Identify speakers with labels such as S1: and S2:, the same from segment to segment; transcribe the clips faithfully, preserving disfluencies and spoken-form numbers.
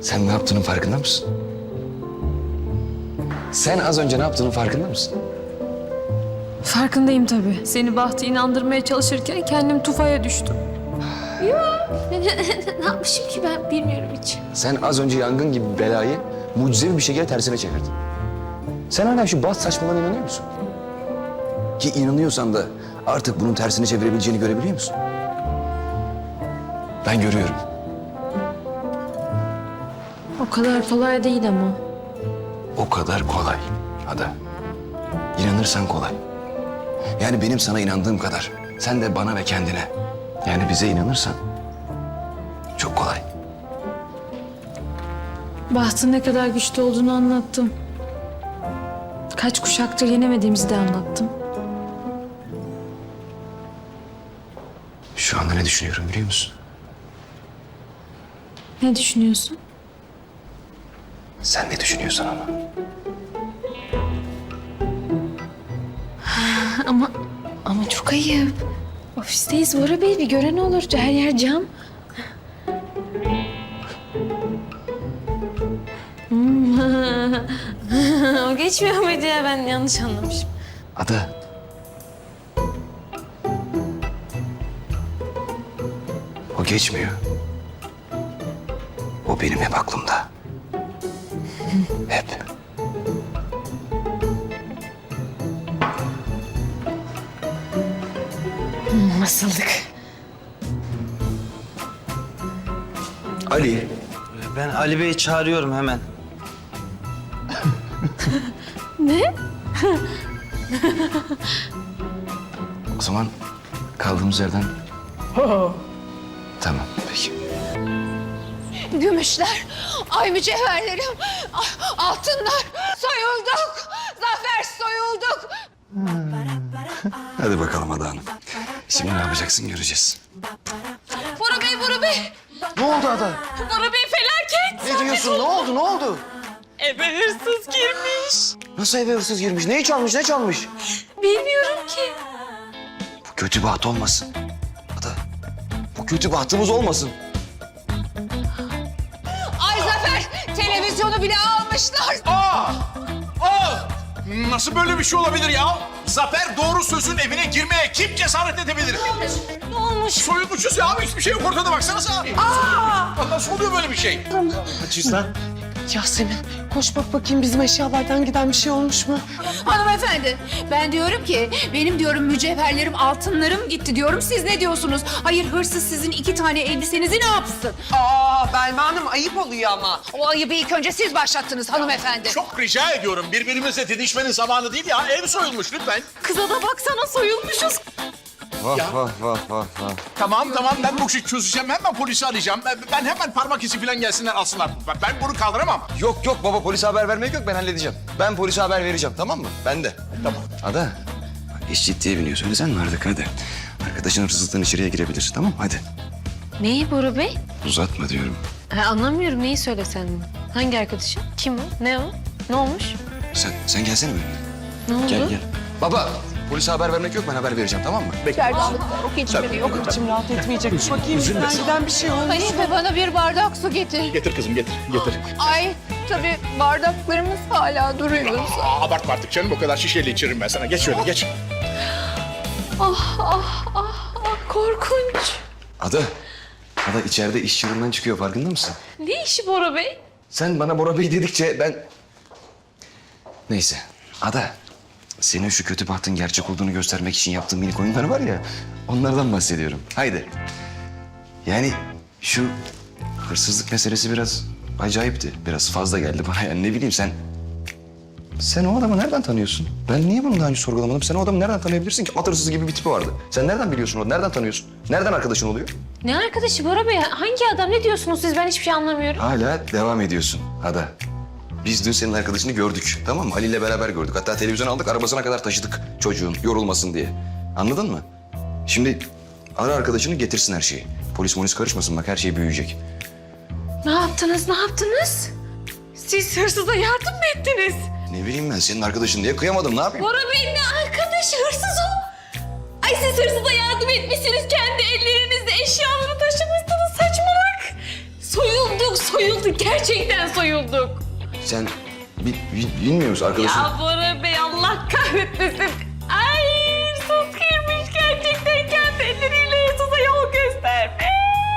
S1: Sen ne yaptığının farkında mısın? Sen az önce ne yaptığının farkında mısın?
S2: Farkındayım tabii. Seni Bahtı inandırmaya çalışırken kendim tufaya düştüm.
S3: Ne yapmışım ki ben bilmiyorum hiç.
S1: Sen az önce yangın gibi bir belayı mucizevi bir şekilde tersine çevirdin. Sen hala şu Baht saçmalığına inanıyor musun? Ki inanıyorsan da artık bunun tersini çevirebileceğini görebiliyor musun? Ben görüyorum.
S2: O kadar kolay değil ama.
S1: O kadar kolay Ada. İnanırsan kolay. Yani benim sana inandığım kadar sen de bana ve kendine, yani bize inanırsan çok kolay.
S2: Bahtın ne kadar güçlü olduğunu anlattım. Kaç kuşaktır yenemediğimizi de anlattım.
S1: Şu anda ne düşünüyorum biliyor musun?
S2: Ne düşünüyorsun?
S1: Sen ne düşünüyorsan ama.
S2: Ama ama çok ayıp. Ofisteyiz Bora Bey, bir gören olur. Her yer cam. Hmm. O geçmiyor muydu ya? Ben yanlış anlamışım.
S1: Ada. O geçmiyor. O benim hep aklımda. Hep.
S2: Nasıldık?
S1: Ali.
S4: Ben Ali Bey'i çağırıyorum hemen.
S1: O zaman kaldığımız yerden... Tamam, peki.
S3: Gümüşler, ay mücevherlerim, a- altınlar. Soyulduk. Zafer soyulduk.
S1: Hadi bakalım Ada Hanım. Şimdi ne yapacaksın göreceğiz.
S3: Bora Bey, Bora Bey.
S4: Ne oldu Ada?
S3: Bora Bey felaket.
S4: Ne diyorsun? Ne oldu? Ne oldu?
S3: Eve hırsız girmiş.
S4: Nasıl eve hırsız girmiş? Neyi çalmış? Ne çalmış?
S3: Bilmiyorum ki.
S1: Bu kötü baht olmasın. Ada, bu kötü bahtımız olmasın.
S3: Ay Zafer, televizyonu bile almışlar.
S5: Aa! Aa! Nasıl böyle bir şey olabilir ya? Zafer doğru sözün evine girmeye kim cesaret edebilir?
S3: Ne olmuş?
S5: Soyulmuşuz ya. Hiçbir şey yok ortada baksanıza. Aa! Nasıl oluyor böyle bir şey?
S4: Kaçıyız lan?
S6: Yasemin koş bak bakayım bizim eşyalardan giden bir şey olmuş mu?
S3: Hanımefendi, ben diyorum ki benim diyorum mücevherlerim, altınlarım gitti diyorum. Siz ne diyorsunuz? Hayır, hırsız sizin iki tane elbisenizi ne yapsın?
S6: Aa Belma Hanım ayıp oluyor ama.
S3: O ayıbı ilk önce siz başlattınız hanımefendi.
S5: Çok rica ediyorum. Birbirimizle didişmenin zamanı değil ya. Ev soyulmuş lütfen.
S3: Kıza da baksana, soyulmuşuz.
S4: Vah vah vah vah vah.
S5: Tamam tamam ben bu işi çözeceğim. Hemen polisi arayacağım. Ben, ben hemen parmak izi falan gelsinler alsınlar. Ben- Ben bunu kaldıramam.
S1: Yok yok baba, polise haber vermek yok, ben halledeceğim. Ben polise haber vereceğim, tamam mı? Ben de.
S5: Tamam.
S1: Ada, bak iş ciddiye biniyor. Söylesen mi artık, hadi. Arkadaşın hırsızlıktan içeriye girebilir, tamam mı? Hadi.
S2: Neyi Bora Bey?
S1: Uzatma diyorum.
S2: Ha, anlamıyorum, neyi söylesen. Hangi arkadaşın? Kim o? Ne o? Ne olmuş?
S1: Sen, sen gelsene benimle.
S2: Ne oldu?
S1: Gel gel. Baba, polise haber vermek yok, ben haber vereceğim, tamam mı?
S6: İçim rahat etmeyecek. Bakayım bizden giden bir şey olmuş.
S3: Hanife, bana bir bardak su getir.
S5: Getir kızım getir. Getir.
S3: Ay, tabii bardaklarımız hala duruyor.
S5: Aa, abartma artık canım. O kadar şişeyle içiririm ben sana. Geç şöyle geç.
S2: Korkunç.
S1: Ada, Ada içeride iş çığırından çıkıyor, farkında mısın?
S2: Ne işi Bora Bey?
S1: Sen bana Bora Bey dedikçe ben... Neyse, Ada. Senin şu kötü bahtın gerçek olduğunu göstermek için yaptığın minik oyunlar var ya... Onlardan bahsediyorum. Haydi. Yani şu hırsızlık meselesi biraz acayipti. Biraz fazla geldi bana, yani ne bileyim sen... Sen o adamı nereden tanıyorsun? Ben niye bunu daha önce sorgulamadım? Sen o adamı nereden tanıyabilirsin ki? At hırsızı gibi bir tipi vardı. Sen nereden biliyorsun onu? Nereden tanıyorsun? Nereden arkadaşın oluyor?
S2: Ne arkadaşı Bora Bey? Hangi adam? Ne diyorsunuz siz? Ben hiçbir şey anlamıyorum.
S1: Hala devam ediyorsun Ada. Biz dün senin arkadaşını gördük, tamam mı? Ali ile beraber gördük. Hatta televizyon aldık, arabasına kadar taşıdık çocuğun yorulmasın diye. Anladın mı? Şimdi ara arkadaşını, getirsin her şeyi. Polis polis karışmasın, bak her şey büyüyecek.
S2: Ne yaptınız? Ne yaptınız? Siz hırsıza yardım mı ettiniz?
S1: Ne bileyim ben, senin arkadaşın diye kıyamadım, ne yapayım?
S2: Bora Bey'in ne arkadaşı? Hırsız o. Ay siz hırsıza yardım etmişsiniz. Kendi ellerinizle eşyalarını taşımışsınız. Saçmalık. Soyulduk
S7: soyulduk. Gerçekten soyulduk.
S1: Sen bi, bi- bilmiyor musun arkadaşın?
S7: Ya Bora Bey Allah kahretmesin. Ay hırsız girmiş gerçekten kendi elleriyle hırsıza yol göstermiş.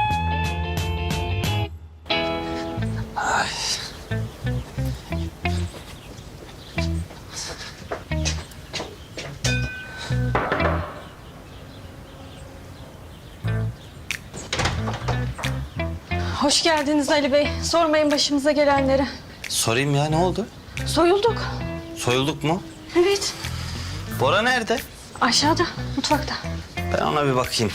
S2: Hoş geldiniz Ali Bey. Sormayın başımıza gelenleri.
S8: Sorayım ya ne oldu?
S2: Soyulduk.
S8: Soyulduk mu?
S2: Evet.
S8: Bora nerede?
S2: Aşağıda, mutfakta.
S8: Ben ona bir bakayım.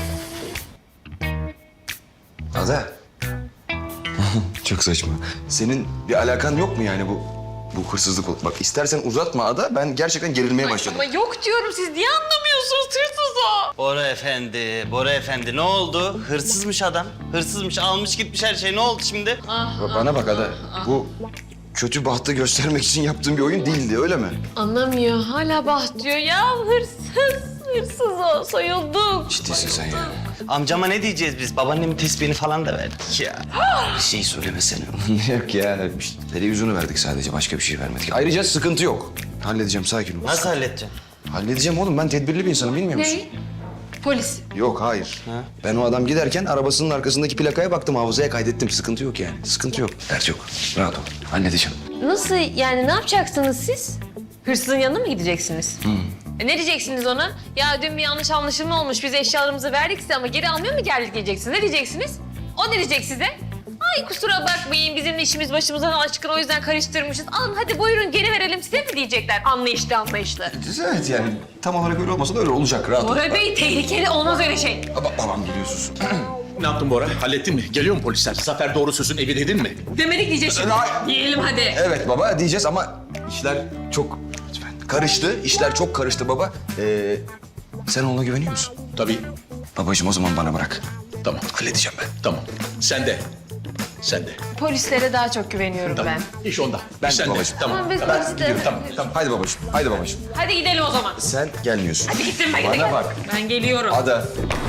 S1: Ada. Çok saçma. Senin bir alakan yok mu yani bu bu hırsızlık? Bak istersen uzatma Ada. Ben gerçekten gerilmeye başladım.
S7: Ama yok diyorum siz niye anlamıyorsunuz hırsız o?
S8: Bora efendi, Bora efendi ne oldu? Hırsızmış adam. Hırsızmış, almış gitmiş her şey. Ne oldu şimdi?
S1: Ba- Bana bak Ada. Bu kötü bahtı göstermek için yaptığım bir oyun değildi öyle mi?
S7: Anlamıyor hala bah diyor ya hırsız. Hırsız o soyulduk.
S1: Ciddisin sen ya.
S8: Amcama ne diyeceğiz biz? Babaannemin tesbihini falan da verdik ya.
S1: Bir şey söylemesene. Yok ya. İşte televizyonu verdik sadece. Başka bir şey vermedik. Ayrıca sıkıntı yok. Halledeceğim sakin ol.
S8: Nasıl halledeceksin?
S1: Halledeceğim oğlum. Ben tedbirli bir insanım bilmiyor musun?
S7: Polis.
S1: Yok hayır. Ben o adam giderken arabasının arkasındaki plakaya baktım. Hafızaya kaydettim. Sıkıntı yok yani. Sıkıntı yok. Dert yok. Rahat ol. Halledeceğim.
S7: Nasıl yani ne yapacaksınız siz? Hırsızın yanına mı gideceksiniz? E, ne diyeceksiniz ona? Ya dün bir yanlış anlaşılma olmuş. Biz eşyalarımızı verdik size ama geri almıyor mu geldik diyeceksiniz. Ne diyeceksiniz? O ne diyecek size? Ay kusura bakmayın bizim işimiz başımızdan aşkın o yüzden karıştırmışız. Alın hadi buyurun geri verelim size mi diyecekler anlayışlı anlayışlı.
S1: Evet yani tam olarak öyle olmasa da öyle olacak. Rahat ol.
S7: Bora Bey tehlikeli olmaz öyle şey.
S1: Baba, babam geliyorsunuz.
S5: Ne yaptın Bora? Hallettin mi? Geliyor mu polisler? Zafer doğru sözün evi dedin mi?
S7: Demedik diyecek şimdi.
S1: Ay.
S7: Diyelim hadi.
S1: Evet baba diyeceğiz ama işler çok lütfen karıştı. İşler çok karıştı baba. Ee, sen ona güveniyor musun?
S5: Tabii.
S1: Babacığım o zaman bana bırak.
S5: Tamam.
S1: Halledeceğim ben.
S5: Tamam. Sen de. Sen de.
S7: Polislere daha çok güveniyorum
S5: Tamam.
S7: ben.
S5: İş onda.
S1: Ben de
S5: Sen de.
S1: babacığım.
S5: Tamam.
S7: Tamam, biz
S5: Tamam.
S7: polisi de-
S5: Gidiyorum, Tamam. Tamam.
S1: Haydi babacığım. Haydi babacığım.
S7: Hadi gidelim o zaman.
S1: Sen gelmiyorsun.
S7: Hadi gittim ben
S1: Bana
S7: gidelim.
S1: bak.
S7: Ben geliyorum.
S1: Ada.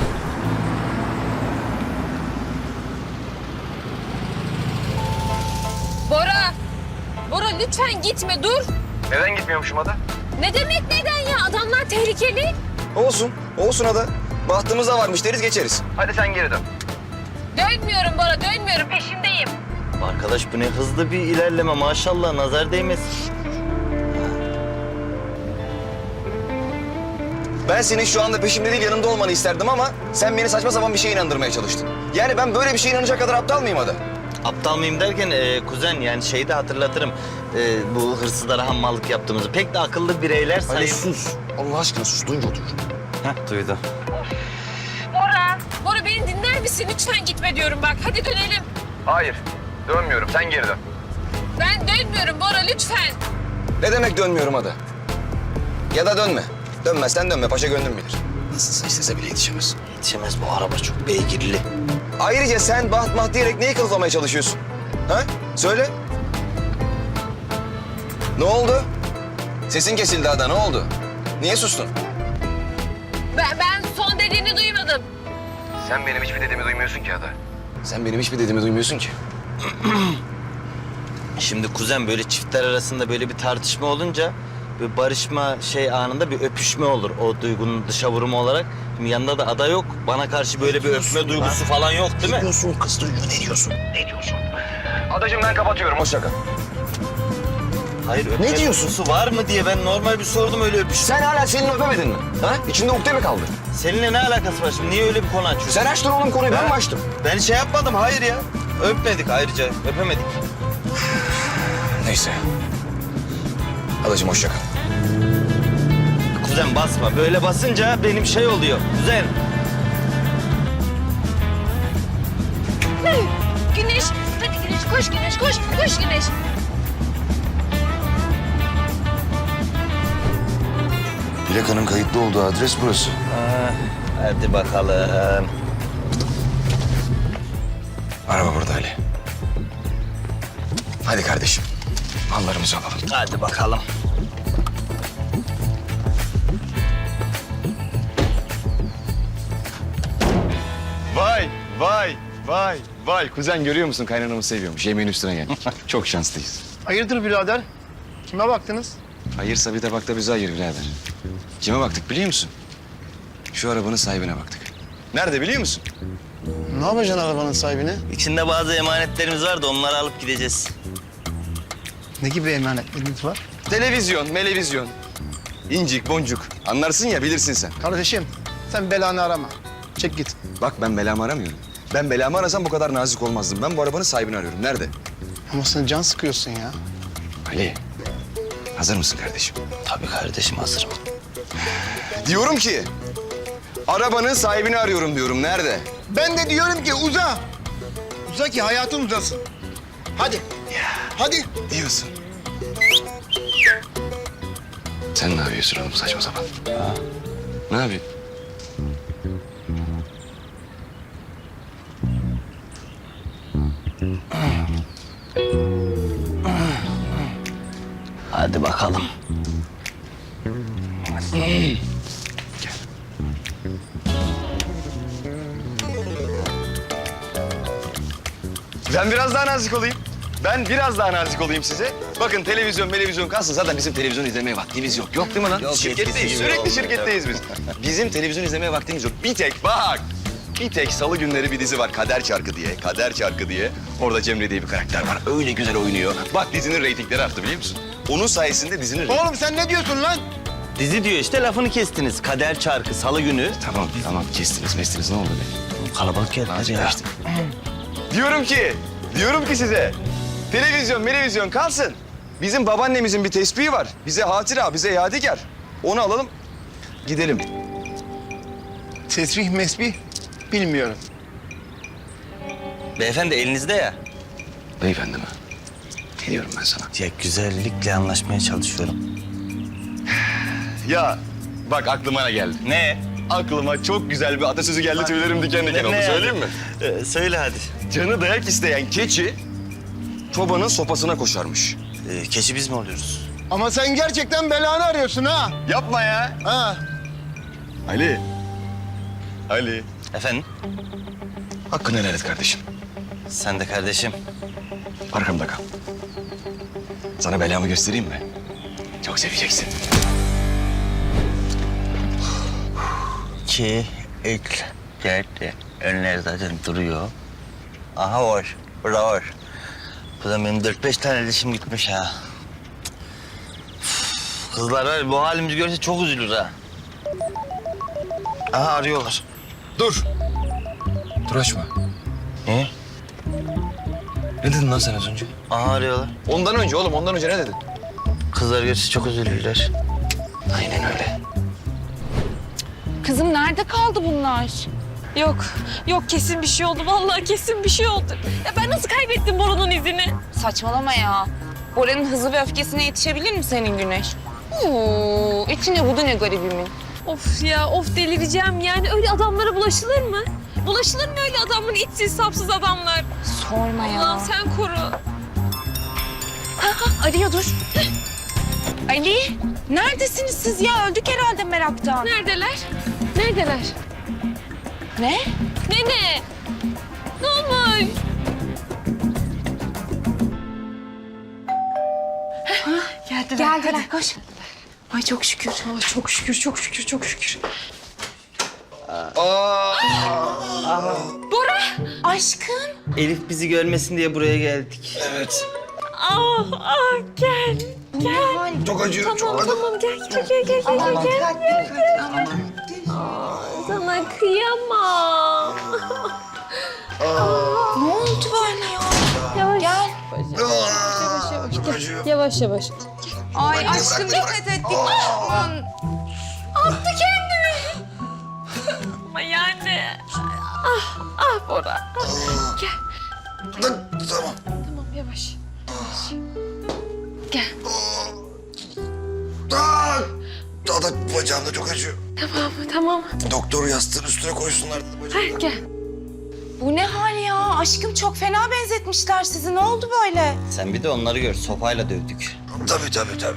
S7: Bora! Bora lütfen gitme dur.
S1: Neden gitmiyormuşum Ada?
S7: Ne demek neden ya? Adamlar tehlikeli.
S1: Olsun. Olsun Ada. Bahtımız da varmış deriz geçeriz. Hadi sen geri dön.
S7: Dönmüyorum Bora dönmüyorum peşindeyim.
S8: Arkadaş bu ne hızlı bir ilerleme maşallah nazar değmesin.
S1: Ben senin şu anda peşimde değil yanımda olmanı isterdim ama sen beni saçma sapan bir şeye inandırmaya çalıştın. Yani ben böyle bir şeye inanacak kadar aptal mıyım Ada?
S8: Aptal mıyım derken e, kuzen yani şeyi de hatırlatırım. E, bu hırsızlara hammallık yaptığımızı. Pek de akıllı bireyler
S1: Hadi
S8: sayıp...
S1: sus. Allah aşkına sus. Duyunca otur.
S8: Heh duydu.
S7: Bora! Bora beni dinler misin? Lütfen gitme diyorum bak. Hadi dönelim.
S1: Hayır. Dönmüyorum. Sen geri dön.
S7: Ben dönmüyorum Bora lütfen.
S1: Ne demek dönmüyorum Ada? Ya da dönme. Dönmezsen dönme. Paşa gönlüm bilir. Nasılsa istese bile yetişemez.
S8: Yetişemez bu araba çok beygirli.
S1: Ayrıca sen baht maht diyerek neyi kılıflamaya çalışıyorsun? Ha? Söyle. Ne oldu? Sesin kesildi Ada. Ne oldu? Niye sustun?
S7: Ben, ben son dediğini duymadım.
S1: Sen benim hiçbir dediğimi duymuyorsun ki Ada. Sen benim hiçbir dediğimi duymuyorsun ki.
S8: Şimdi kuzen böyle çiftler arasında böyle bir tartışma olunca bir barışma şey anında bir öpüşme olur o duygunun dışa vurumu olarak. Şimdi yanında da ada yok. Bana karşı böyle bir öpme duygusu falan yok değil mi?
S1: Ne diyorsun kız duyuyor? Ne diyorsun? Ne diyorsun? Adacığım ben kapatıyorum. Hoşça kal.
S8: Hayır öpme
S1: Ne diyorsun?
S8: duygusu var mı diye ben normal bir sordum öyle öpüş.
S1: Sen hala Selin'i öpemedin mi? Ha? İçinde ukde mi kaldı?
S8: Seninle ne alakası var şimdi? Niye öyle bir konu açıyorsun?
S1: Sen açtın oğlum konuyu. Ben mi açtım?
S8: Ben şey yapmadım hayır ya. Öpmedik ayrıca öpemedik.
S1: Neyse. Adacığım hoşça kal.
S8: Kuzen basma. Böyle basınca benim şey oluyor. Kuzen.
S7: Güneş hadi Güneş koş Güneş koş koş Güneş.
S1: Plakanın kayıtlı olduğu adres burası.
S8: Ha, hadi bakalım.
S1: Araba burada Ali. Hadi kardeşim. Mallarımızı alalım.
S8: Hadi bakalım.
S9: Vay, vay,
S1: Vay, vay. Kuzen görüyor musun? Kaynanamı seviyormuş. Yemeğin üstüne gel. Çok şanslıyız.
S9: Hayırdır birader? Kime baktınız?
S1: Hayırsa bir de bak da bize hayır birader. Kime baktık biliyor musun? Şu arabanın sahibine baktık. Nerede biliyor musun?
S9: Ne yapacaksın arabanın sahibine?
S8: İçinde bazı emanetlerimiz var da onları alıp gideceğiz.
S9: Ne gibi emanetleriniz var?
S1: Televizyon, melevizyon. İncik, boncuk. Anlarsın ya, bilirsin sen.
S9: Kardeşim sen belanı arama. Çek git.
S1: Bak ben belamı aramıyorum. Ben belamı arasam bu kadar nazik olmazdım. Ben bu arabanın sahibini arıyorum. Nerede?
S9: Ama sen can sıkıyorsun ya.
S1: Ali, hazır mısın kardeşim?
S8: Tabii kardeşim hazırım.
S1: Diyorum ki, arabanın sahibini arıyorum diyorum. Nerede?
S9: Ben de diyorum ki uza. Uza ki hayatın uzasın. Hadi. Hadi.
S1: Diyorsun. Sen ne yapıyorsun oğlum saçma sapan? Ha? Ne yapıyorsun?
S8: Hadi bakalım.
S1: Ben biraz daha nazik olayım. Ben biraz daha nazik olayım size. Bakın televizyon, televizyon kalsın. Zaten bizim televizyon izlemeye vaktimiz yok. Yok değil mi lan?
S8: Yok,
S1: Şirketteyiz.
S8: eskisi gibi
S1: Sürekli
S8: oldu
S1: şirketteyiz biz. Bizim televizyon izlemeye vaktimiz yok. Bir tek bak. Bir tek salı günleri bir dizi var. Kader Çarkı diye. Kader Çarkı diye. Orada Cemre diye bir karakter var. Öyle güzel oynuyor. Bak dizinin reytingleri arttı biliyor musun? Onun sayesinde dizinin reytingleri...
S9: Oğlum sen ne diyorsun lan?
S8: Dizi diyor işte lafını kestiniz. Kader Çarkı salı günü.
S1: Tamam, tamam. Kestiniz, mestiniz. Ne oldu be?
S8: Kalabalık geldiler ya.
S1: Kaçtı. Diyorum ki, diyorum ki size. Televizyon, televizyon kalsın. Bizim babaannemizin bir tespihi var. Bize hatıra, bize yadigar. Onu alalım, gidelim.
S9: Tesbih mesbih bilmiyorum.
S8: Beyefendi elinizde ya.
S1: Beyefendi mi? Ne diyorum ben sana?
S8: Ya güzellikle anlaşmaya çalışıyorum.
S1: Ya bak aklıma ne geldi?
S8: Ne?
S1: Aklıma çok güzel bir atasözü geldi. Tüylerim diken diken oldu.
S8: Ne yani?
S1: Söyleyeyim mi?
S8: Ee, söyle hadi.
S1: Canı dayak isteyen keçi çobanın sopasına koşarmış.
S8: Ee, keçi biz mi oluyoruz?
S9: Ama sen gerçekten belanı arıyorsun ha.
S1: Yapma ya.
S9: Ha.
S1: Ali. Ali.
S8: Efendim?
S1: Hakkını helal et kardeşim.
S8: Sen de kardeşim.
S1: Arkamda kal. Sana belamı göstereyim mi? Çok seveceksin.
S8: İki, üç, dört. Önler zaten duruyor. Aha var. Burada var. Burada benim dört beş tane dişim gitmiş ha. Üf, kızlar var bu halimizi görse çok üzülür ha. Aha arıyorlar.
S1: Dur. Dur açma.
S8: Ne?
S1: Ne dedin lan sen az önce?
S8: Aha arıyorlar.
S1: Ondan önce oğlum, ondan önce ne dedin?
S8: Kızlar görse çok üzülürler.
S1: Aynen öyle.
S3: Kızım nerede kaldı bunlar?
S7: Yok, yok kesin bir şey oldu. Vallahi kesin bir şey oldu. Ya ben nasıl kaybettim Bora'nın izini?
S3: Saçmalama ya. Bora'nın hızı ve öfkesine yetişebilir mi senin Güneş? Oo, içine budu ne garibimin.
S7: Of ya, of delireceğim. Yani öyle adamlara bulaşılır mı? Bulaşılır mı öyle adamın içsiz sapsız adamlar?
S3: Sorma ya.
S7: Allah'ım sen koru.
S3: Ha, ha, arıyor dur. Ali, neredesiniz siz ya? Öldük herhalde meraktan.
S7: Neredeler? Neredeler?
S3: Ne?
S7: Ne ne? Ne olmuş?
S3: Geldiler. Geldiler. Koş. Ay çok şükür.
S2: Ay çok şükür, çok şükür, çok şükür.
S3: Aşkım.
S8: Elif bizi görmesin diye buraya geldik.
S1: Evet.
S7: Ah, ah gel. Gel.
S1: Çok acıyor.
S7: Tamam, tamam gel, gel, gel, gel, gel, gel, gel, gel. Aa, sana kıyamam.
S3: Ne oldu böyle ya?
S7: Yavaş.
S3: Gel.
S7: Yavaş, yavaş, gel. Yavaş, yavaş.
S3: Ay aşkım dikkat et. Dikkat.
S7: Attı kendini. Ama yani. Ah, ah Bora. Gel.
S1: Tamam.
S7: Tamam, yavaş. Yavaş. Gel.
S1: Aa, daha da bacağımda çok acıyor.
S7: Tamam, tamam.
S1: Doktor yastığın üstüne koysunlar.
S7: Hadi gel.
S3: Bu ne hal ya? Aşkım çok fena benzetmişler sizi. Ne oldu böyle?
S8: Sen bir de onları gör. Sopayla dövdük.
S1: Tabii tabii tabii.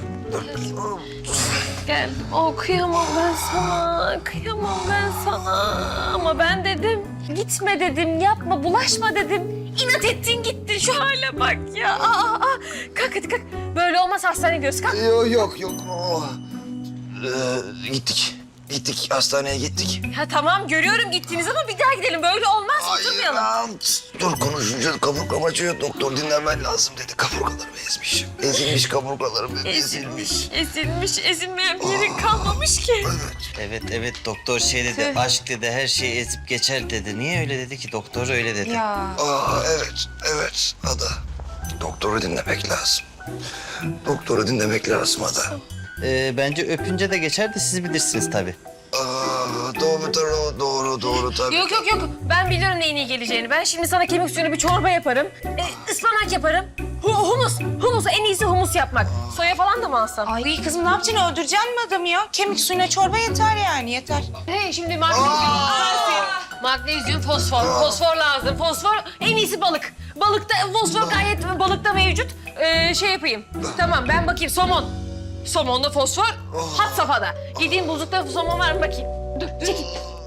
S7: Gel. Oh, kıyamam ben sana. Kıyamam ben sana. Ama ben dedim. Gitme dedim, yapma, bulaşma dedim. İnat ettin gittin, şu hale bak ya. Aa, aa. Kalk hadi kalk. Böyle olmaz, hastaneye gidiyoruz, kalk.
S1: Yok yok yok. Oh. Ee, gittik. Gittik hastaneye gittik.
S7: Ha tamam, görüyorum gittiniz ama bir daha gidelim. Böyle olmaz, oturmayalım.
S1: Hayır, dur konuşunca kaburgam acıyor. Doktor dinlenmen lazım dedi. Kaburgalarımı ezmiş. Ezilmiş kaburgalarım ezilmiş.
S7: Ezilmiş, ezilmeyen bir yerin kalmamış ki.
S8: Evet evet doktor şey dedi, aşk dedi, her şeyi ezip geçer dedi. Niye öyle dedi ki? Doktor öyle dedi.
S1: Aa evet, evet Ada. Doktoru dinlemek lazım. Doktoru dinlemek lazım Ada.
S8: Ee, bence öpünce de geçer de siz bilirsiniz tabii.
S1: Aa, doğru, doğru, doğru, doğru tabii.
S7: Yok yok yok, ben biliyorum neyin iyi geleceğini. Ben şimdi sana kemik suyunu bir çorba yaparım. E, ıspanak yaparım. Hu, humus, humus. En iyisi humus yapmak. Soya falan da mı alsam?
S6: Ay kızım ne yapacaksın? Öldüreceksin mi adamı ya? Kemik suyuna çorba yeter yani yeter.
S7: He, şimdi magnezyum, kalsiyum, magnezyum, fosfor. Fosfor lazım. Fosfor, en iyisi balık. Balıkta, fosfor gayet balıkta mevcut. Ee, şey yapayım. Tamam, ben bakayım. Somon. Somonda fosfor, had safhada. Gideyim buzlukta somon var mı bakayım. Dur, çekil.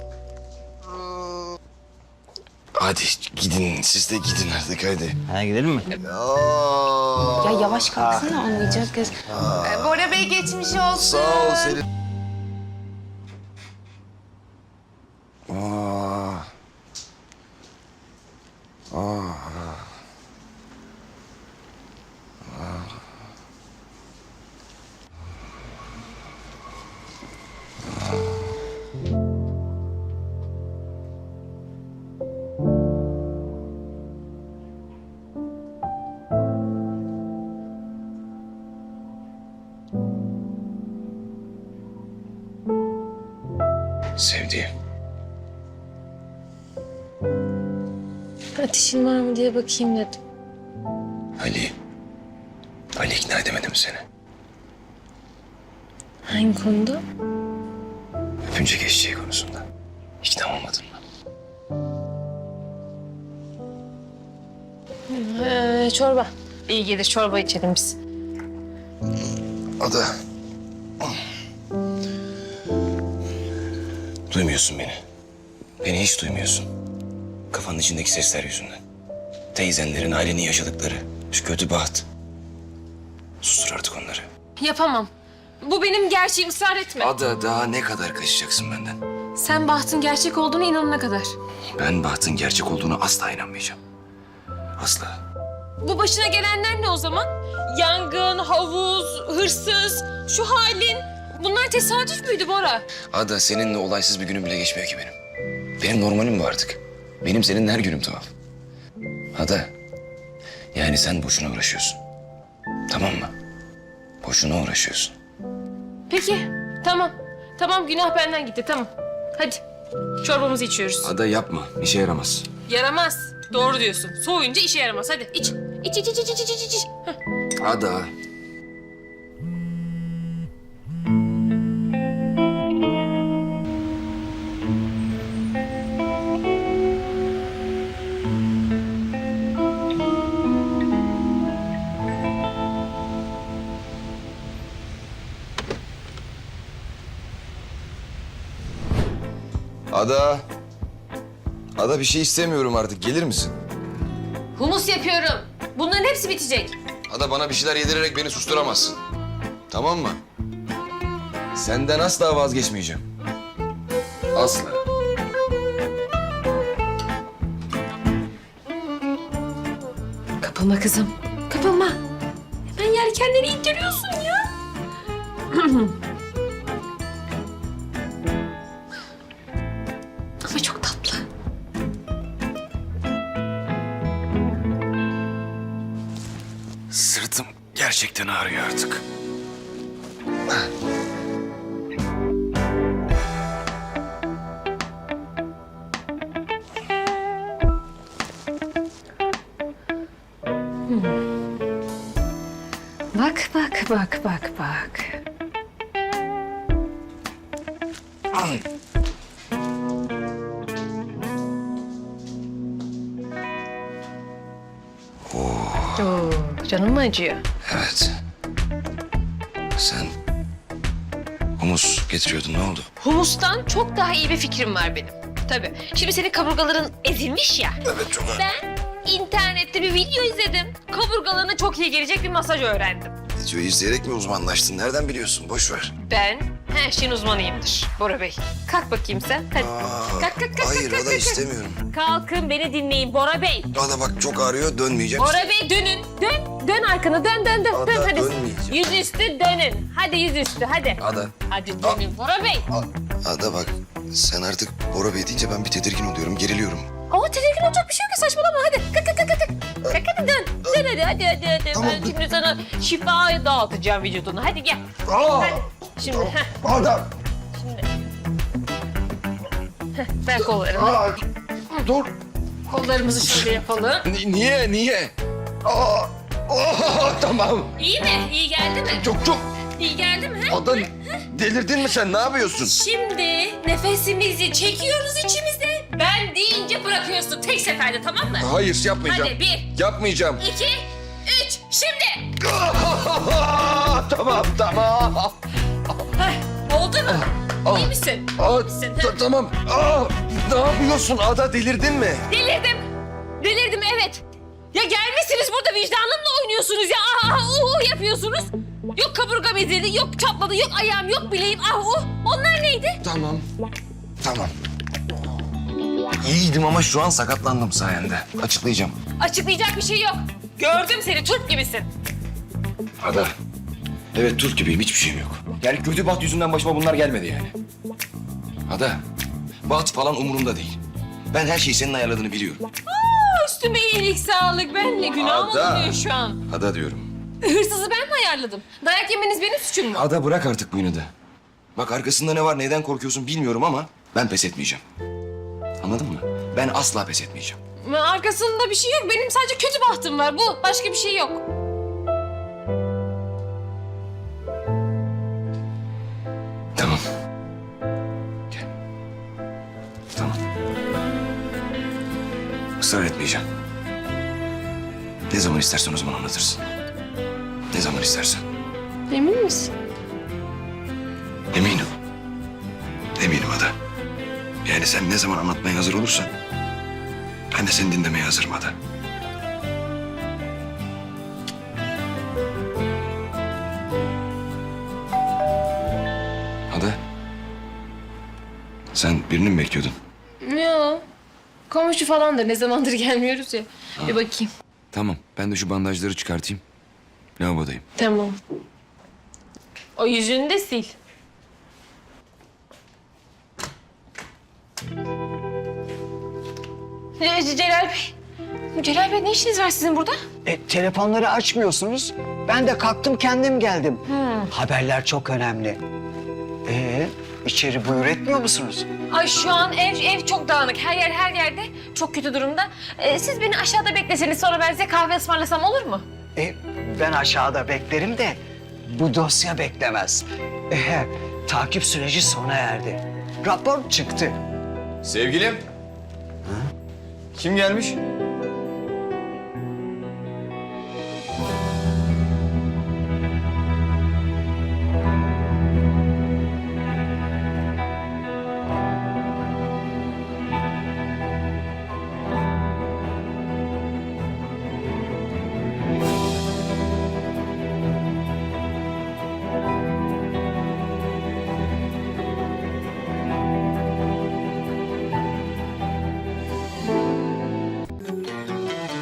S1: Hadi gidin, siz de gidin artık hadi.
S8: Ha gidelim mi?
S1: Aa,
S3: Ya yavaş kalksana anlayacak kız.
S6: Ee, Bora Bey geçmiş olsun.
S1: sağ ol Selin. Aa. Aa. Sevdiğim.
S2: Ateşin var mı diye bakayım dedim.
S1: Ali. Ali ikna edemedim seni.
S2: Hangi konuda?
S1: Öpünce geçeceği konusunda. İkna olmadın mı?
S7: Ee, çorba. İyi gelir, çorba içelim biz.
S1: Ada. Duymuyorsun beni. Beni hiç duymuyorsun. Kafanın içindeki sesler yüzünden. Teyzenlerin, ailenin yaşadıkları. Şu kötü baht. Sustur artık onları.
S7: Yapamam. Bu benim gerçeğim, ısrar etme.
S1: Ada daha ne kadar kaçacaksın benden?
S7: Sen bahtın gerçek olduğuna inanana kadar.
S1: Ben bahtın gerçek olduğunu asla inanmayacağım. Asla.
S7: Bu başına gelenler ne o zaman? Yangın, havuz, hırsız, şu halin. Bunlar tesadüf müydü Bora?
S1: Ada seninle olaysız bir günüm bile geçmiyor ki benim. Benim normalim bu artık. Benim seninle her günüm tuhaf. Ada. Yani sen boşuna uğraşıyorsun. Tamam mı? Boşuna uğraşıyorsun.
S7: Peki, tamam. Tamam, günah benden gitti, tamam. Hadi, çorbamızı içiyoruz.
S1: Ada yapma. İşe yaramaz.
S7: Yaramaz. Doğru diyorsun. Soğuyunca işe yaramaz. Hadi iç. İç, iç, iç, iç, iç, iç, iç. Heh.
S1: Ada. Ada. Ada bir şey istemiyorum artık. Gelir misin?
S7: Humus yapıyorum. Bunların hepsi bitecek.
S1: Ada bana bir şeyler yedirerek beni susturamazsın. Tamam mı? Senden asla vazgeçmeyeceğim. Asla.
S7: Kapılma kızım. Kapılma. Hemen yelkenleri indiriyorsun ya. Ama çok tatlı.
S1: Sırtım gerçekten ağrıyor artık.
S2: Bak bak bak bak bak.
S7: Oo, canım mı acıyor?
S1: Evet. Sen humus getiriyordun. Ne oldu?
S7: Humustan çok daha iyi bir fikrim var benim. tabii. Şimdi senin kaburgaların ezilmiş ya.
S1: Evet çok ağrıyor.
S7: Ben internette bir video izledim. Kaburgalarına çok iyi gelecek bir masaj öğrendim.
S1: Videoyu izleyerek mi uzmanlaştın? Nereden biliyorsun? Boş ver.
S7: Ben her şeyin uzmanıyımdır Bora Bey. Kalk bakayım sen. Hadi.
S1: Aa,
S7: kalk kalk kalk.
S1: hayır
S7: kalk,
S1: Ada
S7: kalk, kalk.
S1: istemiyorum.
S7: Kalkın beni dinleyin Bora Bey.
S1: Ada bak çok ağrıyor dönmeyeceğim.
S7: Bora Bey dönün. Dön. Dön arkanı. Dön dön dön.
S1: Ada,
S7: dön hadi.
S1: dönmeyeceğim.
S7: Yüzüstü dönün. Hadi yüzüstü hadi.
S1: Ada.
S7: Hadi dönün Bora Bey.
S1: A- Ada bak sen artık Bora Bey deyince ben bir tedirgin oluyorum, geriliyorum.
S7: Ama tedirgin olacak bir şey yok ki saçmalama hadi. Kalk kalk kalk kalk. Kalk hadi dön. Dön hadi hadi hadi. hadi.
S1: Tamam,
S7: Ben
S1: dur.
S7: şimdi sana şifa dağıtacağım vücuduna. Hadi gel.
S1: Aa,
S7: Hadi. Şimdi heh,
S1: Ada.
S7: ver kollarını.
S1: Aa, dur.
S7: Kollarımızı şöyle yapalım.
S1: Ni- niye, niye? Aa, aa, tamam.
S7: İyi mi? İyi geldi mi?
S1: Çok çok.
S7: İyi geldi mi? ha?
S1: Ada delirdin mi sen? Ne yapıyorsun?
S7: Şimdi nefesimizi çekiyoruz içimizde. Ben deyince bırakıyorsun tek seferde tamam mı?
S1: Hayır yapmayacağım.
S7: Hadi bir,
S1: Yapmayacağım.
S7: iki, üç. Şimdi.
S1: tamam tamam.
S7: Heh, oldu mu?
S1: Ah.
S7: İyi misin?
S1: Aa,
S7: İyi misin?
S1: ta- tamam. Aa, ne yapıyorsun Ada delirdin mi?
S7: Delirdim. Delirdim evet. Ya gelmişsiniz burada vicdanımla oynuyorsunuz ya. Ah ah uh, uh yapıyorsunuz. Yok kaburgam ezildi, yok çatladı, yok ayağım, yok bileğim. Ah uh. Onlar neydi?
S1: Tamam. Tamam. İyiydim ama şu an sakatlandım sayende. Açıklayacağım.
S7: Açıklayacak bir şey yok. Gördüm seni, Türk gibisin.
S1: Ada. Evet Türk gibiyim, hiçbir şeyim yok. Yani kötü baht yüzünden başıma bunlar gelmedi yani. Ada, baht falan umurumda değil. Ben her şeyi senin ayarladığını biliyorum.
S7: Üstüme iyilik, sağlık. Ben ne günahım
S1: Ada.
S7: oluyor şu an.
S1: Ada diyorum.
S7: Hırsızı ben mi ayarladım? Dayak yemeniz benim suçum mu?
S1: Ada bırak artık bu inadı. Bak arkasında ne var, neden korkuyorsun bilmiyorum ama ben pes etmeyeceğim. Anladın mı? Ben asla pes etmeyeceğim.
S7: Arkasında bir şey yok. Benim sadece kötü bahtım var. Bu. Başka bir şey yok.
S1: Tamam. Gel. Tamam. Israr etmeyeceğim. Ne zaman istersen o zaman anlatırsın. Ne zaman istersen.
S7: Emin misin?
S1: Eminim. Eminim Ada. Yani sen ne zaman anlatmaya hazır olursan... ...ben de seni dinlemeye hazırım Ada. Ada. Sen birini mi bekliyordun?
S7: Yok. Komşu falandır. Ne zamandır gelmiyoruz ya. Bir bakayım.
S1: Tamam. Ben de şu bandajları çıkartayım. Lavabodayım.
S7: Tamam. O yüzünü de sil. Ee, Celal Bey. Celal Bey ne işiniz var sizin burada?
S10: E, telefonları açmıyorsunuz. Ben de kalktım kendim geldim. Haberler çok önemli. Ee, içeri buyur etmiyor musunuz?
S7: Ay şu an ev ev çok dağınık. Her yer her yerde çok kötü durumda. Ee, siz beni aşağıda bekleseniz sonra ben size kahve ısmarlasam olur mu?
S10: E, ben aşağıda beklerim de bu dosya beklemez. E, takip süreci sona erdi. Rapor çıktı.
S1: Sevgilim. Kim gelmiş?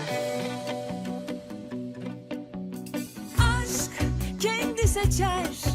S11: aşk kendi seçer